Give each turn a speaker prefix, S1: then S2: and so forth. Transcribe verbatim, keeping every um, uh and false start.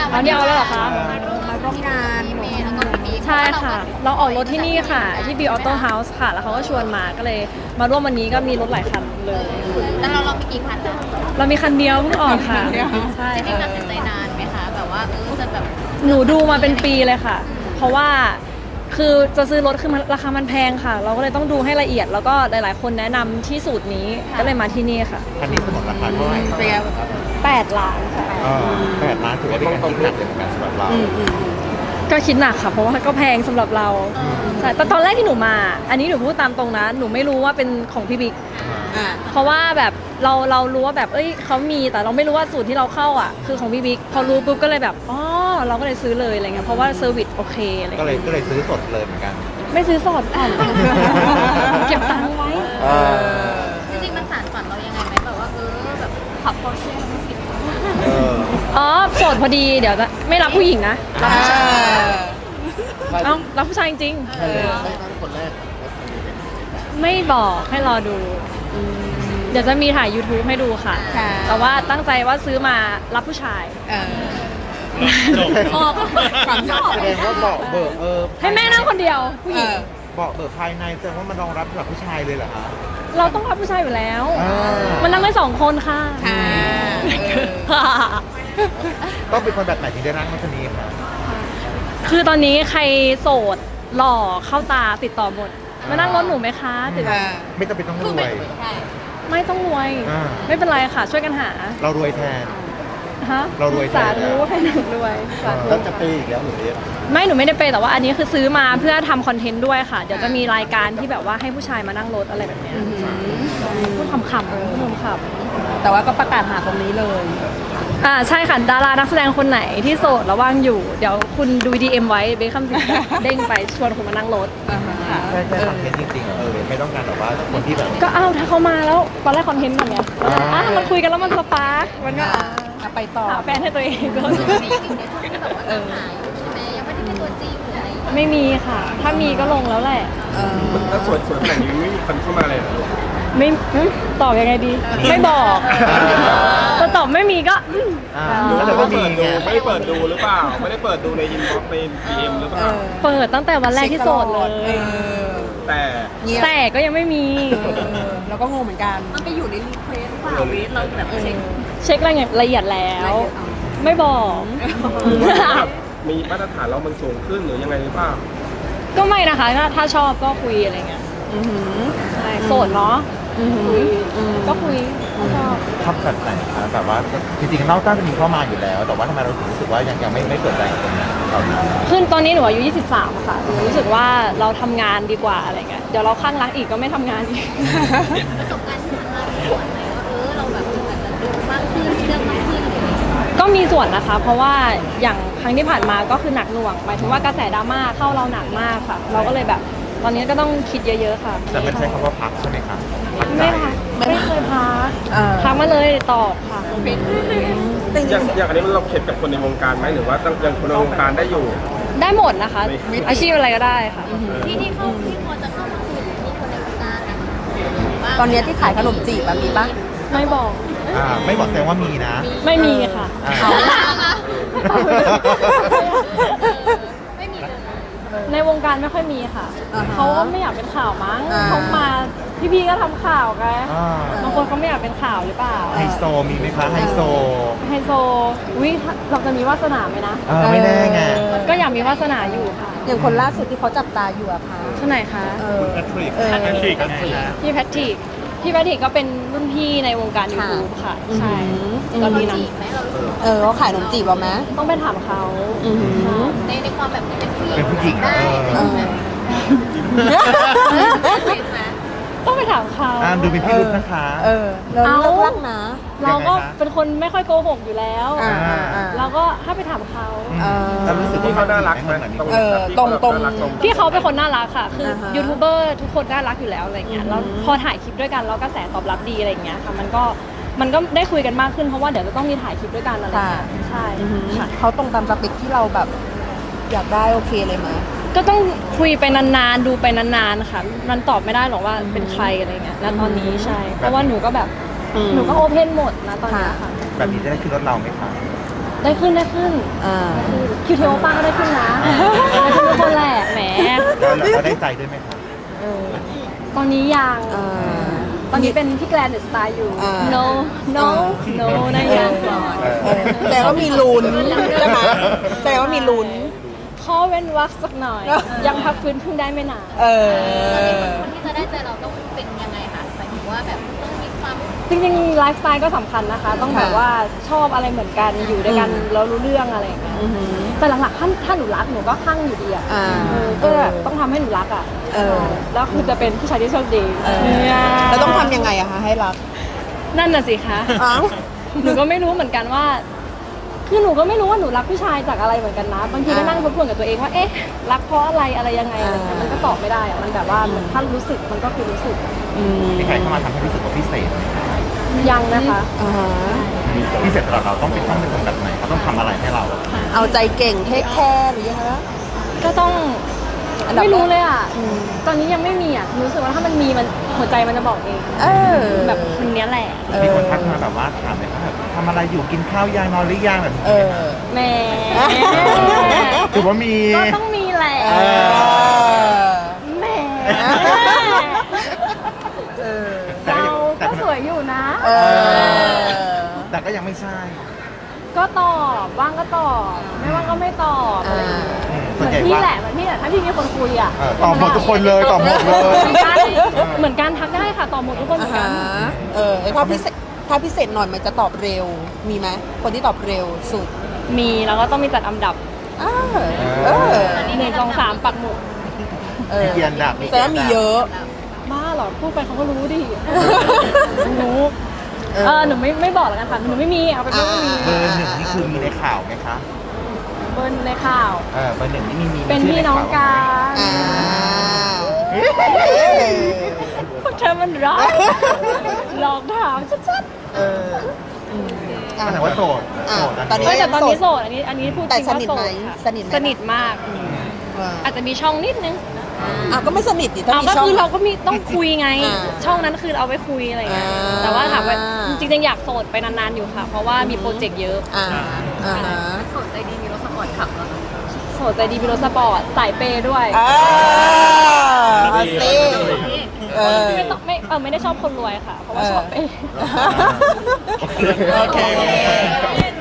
S1: เอาเนี่ยเอาแล้วเหรอคะ
S2: มาร่วมงานเมย์แล้วก็พี่บิ๊ก
S1: ใช่ค่ะ เราออกรถที่นี่ค่ะ ที่ B Auto House ค่ะ แล้วเขาก็ชวนมาก็เลยมาร่วมวันนี้ก็มีรถหลายคันเลย
S2: แล้วเราเรามีกี่คันนะ
S1: เรามีคันเดียวเพิ่งออกค่ะ ใช่
S2: จริงๆตั
S1: ค่ะ
S2: ดสินใจนานไหมคะแบบว่าเออจะแบบ
S1: หนูดูมาเป็นปีเลยค่ะ เพราะว่าคือจะซื้อรถคือมันราคามันแพงค่ะ เราก็เลยต้องดูให้ละเอียด แล้วก็หลายๆ คนแนะนำที่สูตรนี้ ก็เลยมาที่นี่ค่ะ
S3: คันนี้สมมติราคาเท่าไหร่
S2: เปรียบ
S1: แปดล้านค่ะ
S3: อ่าแปดล้านถือว่าเป็นการคิดหนักเลยเหมือนกันสำหรับเรา
S1: ก็คิดหนักค่ะ เพราะว่าก็แพงสำหรับเราใช่แต่ตอนแรกที่หนูมา อันนี้หนูพูดตามตรงนะ หนูไม่รู้ว่าเป็นของพี่บิ๊ก
S2: อ่า
S1: เพราะว่าแบบเราเรารู้ว่าแบบเอ้ยเขามีแต่เราไม่รู้ว่าสูตรที่เราเข้าอ่ะคือของพี่บิ๊กพอรู้ปุ๊บก็เลยแบบอ๋อเราก็เลยซื้อเลยอะไรเงี้ยเพราะว่าเซอร์วิสโอเคอะไร
S3: ก็เลย
S1: เงี้ย
S3: ก็เลยซื้อสดเลยเหมือนกัน
S1: ไม่ซื้อสดก่อน เก็บตังค์ไว้
S3: เออ
S2: จริงๆมันสานฝันเรายังไงไหมแบบว่าเออแบบขับพอร์เช่ไม่ผิด
S3: เออ
S1: อ๋อโสดพอดีเดี๋ยวจะไม่รับผู้หญิงนะรับผู้ชายเอ้ารับผู้ชายจริง
S3: ใครเลยได้ตั้งคนแรก
S1: ๆไม่บอกให้รอดู เดี๋ยวจะมีถ่าย YouTube ให้ดูค่ะ
S2: ค่ะ
S1: แต่ว่าตั้งใจว่าซื้อมารับผู้ชาย
S2: เออ
S1: ออก
S2: ความชอบ
S3: แสดงว่าเบาะเบิกเออ
S1: ให้แม่นั่งคนเดียวผู้หญิง
S3: เบาะเบิกภายในแสดงว่ามันรองรับสำหรับผู้ชายเลยเหรอคะ
S1: เราต้องรับผู้ชายอยู่แล้ว
S3: อ่า
S1: มันนั่งได้สองคนค่ะ
S2: ค่ะ
S3: ต้องเป็นคนแบบไหนถึงได้นั่งรถคันนี้คะ
S1: คือตอนนี้ใครโสดหล่อเข้าตาติดต่อหมด มานั่งรถหนูไหมคะติดต่อ
S3: ไม่จำเป็นต้องรวย
S1: ไม่ต้องรวย
S3: อ่า
S1: ไม่เป็นไรค่ะ ช่วยกันหา
S3: เรารวยแทน
S1: ฮะ
S3: เรารวยแทน
S1: สาธุให้หนูรวยสาธุ
S3: แล้วจะไปอีกแล้วหรือเรียก
S1: ไม่หนูไม่ได้ไปแต่ว่าอันนี้คือซื้อมาเพื่อทำคอนเทนต์ด้วยค่ะ เดี๋ยวจะมีรายการที่แบบว่าให้ผู้ชายมานั่งรถอะไรแบบเนี้ยพูดขำๆพูดขำ
S2: แต่ว่าก็ประกาศหาตรงนี้เลย
S1: ๆอ่าใช่ค่ะดารานักแสดงคนไหนที่โสดระว่างอยู่ เดี๋ยวคุณดู ดี เอ็ม ไว้เบคคำสิงเด้งไปชวนคุณมานั่งรถค่ะ
S3: ใช่ใช่คอนเทนต์จริงๆเออไม่ต้องการแบบว่าคนที่แบบ
S1: ก็อ้าวถ้าเขามาแล้วตอนแรกคอนเทนต์ก่อนไงแล้วก็
S3: อ่า
S1: อ่ะมันคุยกันแล้วมันสปาร์กมันก็อ่ะ
S2: อ่ะไปต่อ
S1: หาแฟนให้ตัวเองก็
S2: มีอยู่ในช่วงที่แบบว่าตามหาอยู่ใช่ไหมยังไม่ได้เป็นตัวจริงหรืออะไรอย่างเงี้ย
S1: ไม่มีค่ะ ถ้ามีก็ลงแล้วแหละ
S2: เออ
S4: ถ้าสวยสวยขนาดนี้ไม่มีคนเข้ามาเลยเหรอ
S1: ไม่อืมตอบยังไงดี ไม่บอกแต่ตอบไม่มีก็อืม
S3: อ่าแล้วแต่ว่ามีไง
S4: ไม่ได้เปิดดูหรือเปล่า ไม่ได้เปิดดูในอินบ็อกซ์ในดีเอ็มหรือเปล่า
S1: เปิดตั้งแต่วันแรกที่โสดเลย
S2: เออ
S4: แต่
S2: เงียบ
S1: แต่ก็ยังไม่มี
S2: เออแล้วก็งงเหมือนกัน มันไปอยู่ในรีเควสเปล่าเวทเราแบบเช็ค
S1: เช็ครายละเอียดแล้ว ไม่บอก
S4: มีมาตรฐานเรามันสูงขึ้นหรือยังไงหรือเปล่า
S1: ก็ไม่นะคะถ้าถ้าชอบก็คุยอะไรเงี้ยใช่โสดเนาะคุยก็คุยถ้าชอบ
S3: ชอบแบบไหนคะแบบว่าจริงๆนอกจากจะมีเข้ามาอยู่แล้ว แต่ว่าทำไมเราถึงรู้สึกว่ายังยังไม่ไม่เปิดใจกับตรงนี้เราดี
S1: ขึ้นตอนนี้หนูอายุยี่สิบสามค่ะหนูรู้สึกว่าเราทำงานดีกว่าอะไรเงี้ยเดี๋ยวเราข้างรักอีกก็ไม่ทำงานอีก
S2: ประสบการณ์ที่ผ่านมามีส่วนไหมว่าเออเราแบบอาจจะดูมากขึ้นเรื่องมากขึ้นอะไรอย่างเงี้ย
S1: ก็มีส่วนนะคะ เพราะว่าอย่างครั้งที่ผ่านมาก็คือหนักหน่วงหมายถึงว่ากระแสดราม่าเข้าเราหนักมากค่ะ เราก็เลยแบบ ตอนนี้ก็ต้องคิดเยอะๆค่ะ
S3: แต่ไม่ใช่คำว่าพักใช่ไหมคะพักใจ
S1: ไม่พักไม่เคยพัก
S2: เออ
S1: พักมาเลยตอบค่ะ
S4: อย่างอย่างอันนี้มันเราเข็ดกับคนในวงการไหมหรือว่าตั้งยังคนในวงการได้อยู่
S1: ได้หมดนะคะ อาชีพอะไรก็ได้ค่ะ
S2: ที่ที่เข้าที่พอจะเข้ามาคุยมีคนในวงการนะ
S5: ตอนเนี้ยที่ขายขนมจีบอะมีปะ
S1: ไม่บอก
S3: อ่าไม่บอกแสดงว่ามีนะ
S1: ไม่มีค่ะ
S3: อ่า
S2: ไม่มีเลย
S1: ในวงการไม่ค่อยมีค่ะ
S5: อ่าฮะ
S1: เขาก็ไม่อยากเป็นข่าวมั้ง
S5: อ่า
S1: เขามาพี่ๆก็ทำข่าวไง
S3: อ่า
S1: บางคนเขาไม่อยากเป็นข่าวหรือเปล่า
S3: ไฮโซมีไหมคะไฮโซ
S1: ไฮโซวิเราจะมีวาสนาไหมนะ
S3: เออไม่แน่ไง
S1: ก็อยากมีวาสนาอยู่ค่ะ
S5: อย่างคนล่าสุดที่เขาจับตาอยู่อะคะ
S1: ท่านไหนคะ
S5: เออ
S3: แพทริก
S5: เออ
S3: แพทริกไงคะ
S1: พี่แพทริกพี่แพทริกก็เป็นรุ่นพี่ในวงการ
S5: ค่ะ
S1: YouTube ค่ะ ใช่
S5: อืม
S1: ตอนนี้นะ
S2: จีบไหมเรารู้สึก
S5: เออเขาขายขนมจีบเราไหม
S1: ต้องไปถามเขา
S5: อือหือ
S1: ใช่
S2: ในในความแบบเป็นผู้หญิง
S3: เป็นผู้หญิง
S2: ได้
S3: เออ
S2: ไหม
S1: ต้องไปถามเขา
S3: อ่าดูเป็นพี่รุ่นนะคะ
S5: เออเรา
S1: เอา
S5: เลิกลักนะ
S1: เราก็
S3: ยังไงคะ
S1: เป็นคนไม่ค่อยโกหกอยู่แล้ว
S5: อ่าอ่าอ่า
S1: เราก็ให้ไปถามเขา
S5: เออ
S3: แล้วรู้สึก
S4: ที่
S3: ว่า
S4: เขาน่ารักไหม
S3: เหมือน
S4: ตรง
S5: เออตรงตรง
S4: น่ารักตรง
S1: พี่เขาเป็นคนน่ารักค่ะ คืออา
S5: ฮะ
S1: ยูทูบเบอร์ทุกคนน่ารักอยู่แล้วอะไรเงี้ย
S5: อือหือ
S1: แล้วพอถ่ายคลิปด้วยกันแล้วกระแสตอบรับดีอะไรเงี้ยค่ะ มันก็มันก็ได้คุยกันมากขึ้นเพราะว่าเดี๋ยวจะต้องมีถ่ายคลิปด้วยกันอะไรเงี้ยใช่
S5: อือหือ
S1: ค่ะ
S5: เขาตรงตามสเปคที่เราแบบอยากได้โอเคเลยไหม
S1: ก็ต้องคุยไปนานๆ ดูไปนานๆ ค่ะ มันตอบไม่ได้หรอกว่าเป็นใครอะไรเงี้ยณตอนนี้ใช่ เพราะว่าหนูก็แบบ
S5: อืม
S1: หนูก็โอเพนหมดนะตอนเนี้ยค่ะ
S3: แบบนี้จะได้ขึ้นรถเราไหมคะ
S1: ได้ขึ้นได้ขึ้น
S5: อ่า
S1: คิวทีโอป้าก็ได้ขึ้นนะได้ขึ้นทุกคนแหละแหม
S3: แล้วเราก็ได้ใจด้วยไหมคะ
S5: เออ
S1: ตอนนี้ยัง
S5: อ่า
S1: ตอนนี้เป็นพี่แกรนเดอะสไตล์อยู่
S5: อ่า
S1: no no no นะยังก่อน
S3: เออ
S5: เออแต่ว่ามีลุ้นใช่ไหมแต่ว่ามีลุ้น
S1: ข้อเว้นวรรคสักหน่อย ยังพักฟื้นเพิ่งได้ไม่นาน
S5: เออ
S2: คนที่จะได้ใจเราต้องเป็นยังไงคะหมายถึงว่าแบบต้องมีความ
S1: จริงๆไลฟ์สไตล์ก็สำคัญนะคะ ต้องแบบ
S5: ค่ะ
S1: ว่าชอบอะไรเหมือนกันอยู่ด้วยกัน
S5: อืม
S1: แล้วรู้เรื่องอะไรอย่างเงี้ย
S5: อือหือ
S1: แต่หลักๆถ้าถ้าหนูรักหนูก็คลั่งอยู่ดีอ่ะ
S5: อ่า
S1: เออก็แบบต้องทำให้หนูรักอ่ะ
S5: เออ
S1: แล้วคือจะเป็นผู้ชายที่โชคดี
S5: เออ
S1: เนี่ย
S5: แล้วต้องทำยังไงอะคะให้รัก
S1: นั่นน่ะสิคะ
S5: อ้าว
S1: หนูก็ไม่รู้เหมือนกันว่า คือหนูก็ไม่รู้ว่าหนูรักผู้ชายจากอะไรเหมือนกันนะ บางทีก็นั่งทบทวนกับตัวเองว่า เอ๊ะ รักเพราะอะไรอะไรยังไงอะไรเงี้ยมันก็ตอบไม่ได้อะมันแบบว่าเหมือนถ้ารู้สึกมันก็คือรู้สึก
S5: อืม
S3: มีใครเข้ามาทำให้รู้สึกว่าพิเศษไหม
S1: ยังนะคะ
S5: อ่าฮะ
S3: พิเศษสำหรับเราต้องเป็นต้องเป็นคนแบบไหนเขาต้องทำอะไรให้เรา
S5: เอาใจเก่งเทคแคร์หรือยังไงนะ
S1: ก็ต้อง
S5: อันดับแรก
S1: ไม่รู้เลยอ่ะ
S5: อืม
S1: ตอนนี้ยังไม่มีอ่ะรู้สึกว่าถ้ามันมีมันหัวใจมันจะบอกเอง
S5: เออ
S1: แบบคนเนี้ยแหละ
S5: เออ
S3: มีคนทักมาแบบว่าถามเลยว่าแบบทำอะไรอยู่กินข้าวยางนอนหรือยังแบบนี้
S5: เออ
S1: แหม่
S3: ถือว่ามี
S1: ก็ต้องมีแหละ
S5: เออ
S1: แหม่
S5: เออ
S1: เราก็สวยอยู่นะ
S5: เออ
S3: แต่ก็ยังไม่ใช่
S1: ก็ตอบว่างก็ตอบไม่ว่างก็ไม่ตอบอะไรอย่างเงี้ย
S3: อืม
S1: เห
S3: ส่ว
S1: มื
S3: น
S1: อน
S3: ใหญ่
S1: พี่
S3: ว่า
S1: แหละเหมือนพี่แหละถ้าพี่มีคนคุยอ่ะ
S3: เออตอบหมดทุกคนเลยตอบหมดเลย
S1: เหมือนกันเหมือนกันทักได้ค่ะตอบหมดทุกคนเห
S5: อ่า
S1: มือนกัน
S5: ฮะเออถ้าพิเศษถ้าพิเศษหน่อยมันจะตอบเร็ว มีไหมคนที่ตอบเร็วสุด
S1: มีแล้วก็ต้องมีจัดอันดับ
S5: อ่าเออ
S1: หนึ่งสองสามปักหมุด
S5: เออ
S3: มีเกียรติดับ
S5: แต่ว่ามีเยอะ
S1: บ้าเหรอพูดไปเขาก็รู้ดิรู้เออหนูไม่ไม่บอกแล้วกันค่ะหนูไม่มีเอาเป็นว่าไม่มี
S3: เบอร์หนึ่งนี่คือมีในข่าวไหมคะ
S1: เบิ้ลในข่าว
S3: เออเบอร์หนึ่งนี่มีมี
S1: เป็น
S3: ชื่
S1: พี่
S3: ใ
S1: น้องกัน
S5: อ่า
S1: พวกเธอมันรักหลอกถามชัด
S5: เอออืมอ่ะ
S3: ก็แสดงว่าโสด
S5: อ่ะ
S3: โสด
S5: ตอน
S1: ๆ
S5: นี้
S1: เฮ้ยแต่ตอนนี้โสดอันนี้อันนี้พูดจ
S5: แต่
S1: ริง
S5: ส
S1: ว่า
S5: นิท
S1: โส
S5: ไหม
S1: ดค่ะ
S5: สนิทไหม
S1: สนิทมาก
S5: อ่า
S1: อาจจะมีช่องนิดนึง
S5: อ่ะก็ไม่สนิทดิถ้า
S1: เอา
S5: มี
S1: ก็
S5: ช่อง
S1: คือเราก็มีต้องคุยไง
S5: อ่า
S1: ช่องนั้นคือเอาไว้คุยอะไรเงี้ย
S5: อ่า
S1: แต่ว่าถามว่าจริงๆอยากโสดไปนานๆอยู่ค่ะ เพราะว่ามีโปรเจกต์เยอะ
S5: อ่าอ่าฮะ
S2: สนใจดีมีรถสปอร์ตขับแล้ว
S1: โสดใจดีมีรถสปอร์ตสายเปย์ด้วย
S5: อ่าเอาสิเออ
S1: ไม่ต้องไม่เออไม่ได้ชอบคนรวยค่ะ เพราะว่าชอบเปย์
S3: โอเค
S5: โอเค